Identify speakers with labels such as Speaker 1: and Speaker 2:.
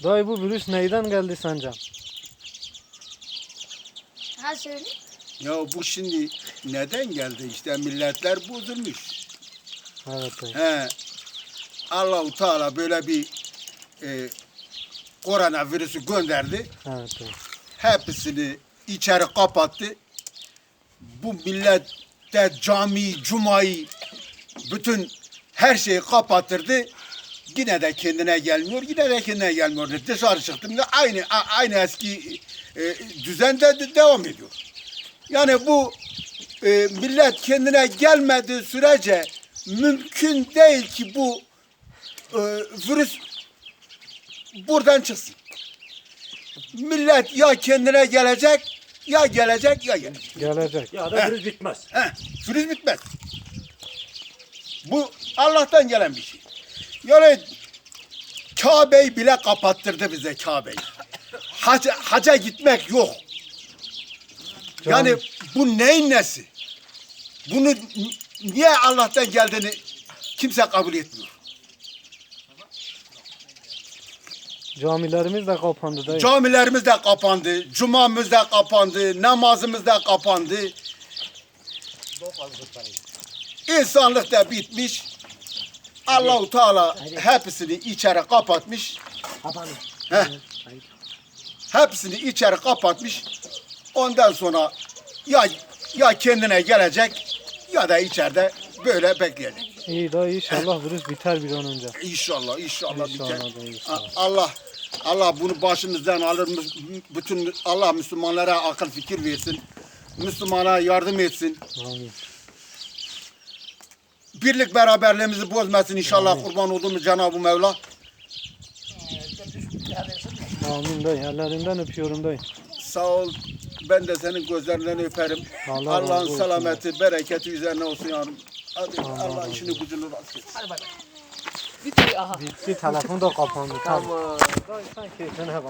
Speaker 1: Dayı bu virüs neyden geldi sence?
Speaker 2: Ha söyle.
Speaker 3: Ya bu şimdi neden geldi? İşte milletler bozulmuş.
Speaker 1: Evet dayı.
Speaker 3: He. Allah-u Teala böyle bir koronavirüsü gönderdi.
Speaker 1: Evet dayı.
Speaker 3: Hepsini içeri kapattı. Bu millet de cami, cumayı, bütün her şeyi kapattırdı. Yine de kendine gelmiyor, yine de kendine gelmiyor. Dışarı çıktım da aynı eski düzende devam ediyor. Yani bu millet kendine gelmediği sürece mümkün değil ki bu virüs buradan çıksın. Millet ya kendine gelecek, ya gelecek, ya gelecek.
Speaker 1: Gelecek.
Speaker 4: Ya da virüs bitmez.
Speaker 3: Virüs bitmez. Bu Allah'tan gelen bir şey. Yani Kabe'yi bile kapattırdı bize Kabe'yi. Haca gitmek yok. Yani bu neyin nesi? Bunu niye Allah'tan geldiğini kimse kabul etmiyor.
Speaker 1: Camilerimiz de kapandı dayı.
Speaker 3: Camilerimiz de kapandı, cumamız da kapandı, namazımız da kapandı. İnsanlık da bitmiş. Allah-u Teala hepsini içeri kapatmış. Heh. Hepsini içeri kapatmış. Ondan sonra ya kendine gelecek ya da içeride böyle bekleyecek.
Speaker 1: İyi dayı inşallah virüs biter bir an önce.
Speaker 3: İnşallah biter.
Speaker 1: İnşallah dayı, inşallah.
Speaker 3: Allah bunu başımızdan alır. Bütün Allah Müslümanlara akıl fikir versin. Müslümana yardım etsin.
Speaker 1: Amin.
Speaker 3: Birlik beraberliğimizi bozmasın inşallah. Kurban olduğumuz Cenab-ı Mevla.
Speaker 1: Amin dayı. Ellerinden öpüyorum dayı.
Speaker 3: Sağ ol. Ben de senin gözlerinden öperim.
Speaker 1: Allah razı
Speaker 3: Allah'ın
Speaker 1: olsun.
Speaker 3: selameti, bereketi üzerine olsun yavrum. Hadi
Speaker 1: Allah
Speaker 3: Allah
Speaker 1: razı
Speaker 3: işini gücünü rast etsin.
Speaker 1: Bitti telefon da kapandı. Tamam. Dayı sen keyfine bak.